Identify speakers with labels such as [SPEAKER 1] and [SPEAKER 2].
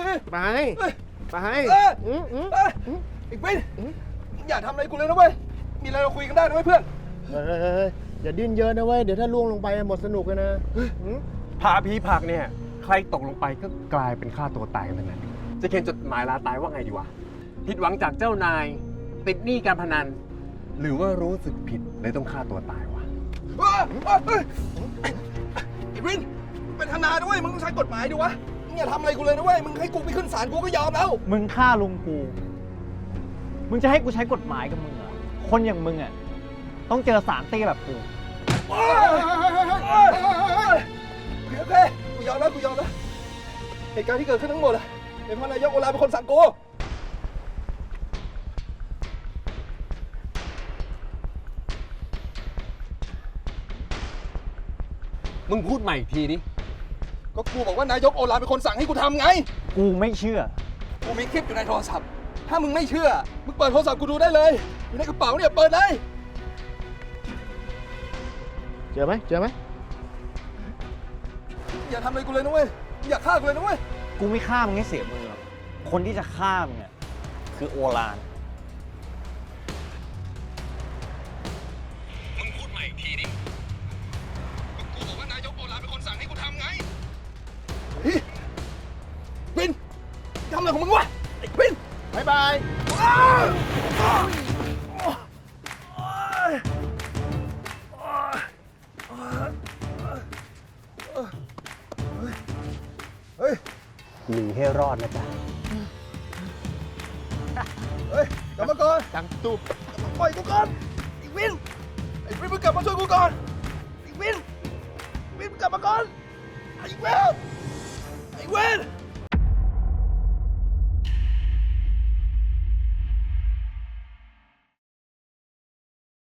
[SPEAKER 1] ไปไป
[SPEAKER 2] อีกวินอย่าทำอะไรกูเลยนะเว้ยมีอะไรเราคุยกันได้นะเว้ยเพื่อน
[SPEAKER 1] อย่าดิ้นเยอะนะเว้ยเดี๋ยวถ้าล่วงลงไปหมดสนุกเลยนะ
[SPEAKER 3] ผาผีผักเนี่ยใครตกลงไปก็กลายเป็นฆ่าตัวตายกันทั้งนั้นจะเขียนจดหมายลาตายว่าไงดีวะผิดหวังจากเจ้านายติดหนี้การพนันหรือว่ารู้สึกผิดเลยต้องฆ่าตัวตายวะ
[SPEAKER 2] อีวินเป็นทนายด้วยมึงต้องใช้กฎหมายดิวะมึงอย่าทำอะไรกูเลยนะเว้ยมึงให้กูไปขึ้นศาลกูก็ยอมแล้ว
[SPEAKER 4] มึงฆ่าลุงกูมึงจะให้กูใช้กฎหมายกับมึงเหรอคนอย่างมึงอ่ะต้องเจอสารเตี้ยแบบกู
[SPEAKER 2] โอเคกูยอมแล้วเหตุการณ์ที่เกิดขึ้นทั้งหมดเป็นเพราะนายกโอลาเป็นคนสั่งกู
[SPEAKER 3] มึงพูดใหม่อีกทีดิ
[SPEAKER 2] ก็กูบอกว่านายกโอลาเป็นคนสั่งให้กูทำไง
[SPEAKER 4] กูไม่เชื่อ
[SPEAKER 2] กูมีคลิปอยู่ในโทรศัพท์ถ้ามึงไม่เชื่อมึงเปิดโทรศัพท์กูดูได้เลยอยู่ในกระเป๋าเนี่ยเปิดเลย
[SPEAKER 1] เจอไหม
[SPEAKER 2] อย่าทำอะไรกูเลยนะเว้ยอย่าฆ่ากูเลยนะเว้ย
[SPEAKER 4] กูไม่ฆ่ามึงให้เสียมือหรอกคนที่จะฆ่ามึงอ่ะคือโอฬาร
[SPEAKER 2] มึงพูดใหม่อีกทีดิกูบอกว่านายกโอลาเป็นคนสั่งให้กูทำไงวินทำอะไรของมึงวะไอ้วิน
[SPEAKER 1] บ๊ายบาย
[SPEAKER 3] หนีให้รอดนะจ๊ะ
[SPEAKER 2] กลับมาก่อน
[SPEAKER 1] จังตุ๊บ
[SPEAKER 2] ปล่อยกูก่อนไอ้วินมึงกลับมาช่วยกูก่อนไอ้วินมึงกลับมาก่อนไอ้วิน